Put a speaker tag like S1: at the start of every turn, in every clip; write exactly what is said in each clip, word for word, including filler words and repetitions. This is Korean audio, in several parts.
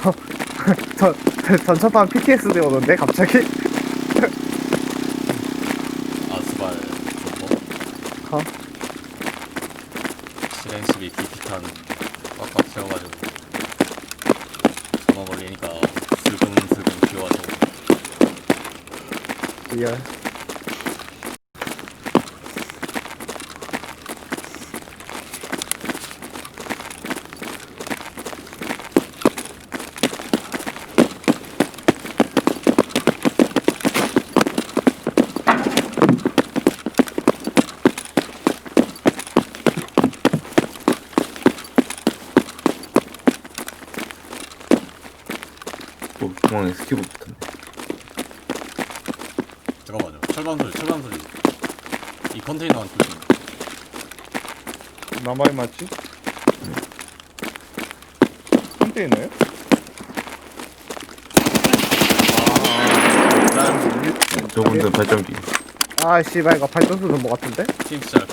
S1: 전, 전처판 피티에스디 오는데 갑자기?
S2: 아스발 존버
S1: 어?
S2: 실행십이 기피탄 꽉꽉 채워가지고 전원 걸리니까 슬금슬금 기어와서
S1: 리얼.
S3: 또 중앙에 스키브 붙었네.
S2: 잠깐만요. 철반 소리 철반 소리 이 컨테이너 한 조심.
S4: 나만이 맞지? 컨테이너요?
S2: 아
S3: 저분들 발전기.
S1: 아, 씨발, 이거 발전소 좀 뭐 같은데?
S2: 팀 시작.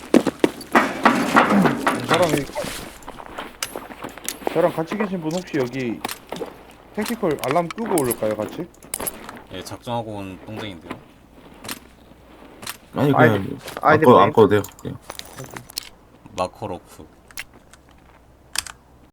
S4: 저랑 이- 저랑 같이 계신 분 혹시 여기 택티컬 알람 끄고 올까요 같이?
S2: 예 작정하고 온 동생인데요.
S3: 아니
S1: 아이디-
S3: 그냥
S1: 아이디
S3: 안 꺼,
S1: 뭐임?
S3: 안 꺼도 돼요. 그냥.
S2: 마커로프.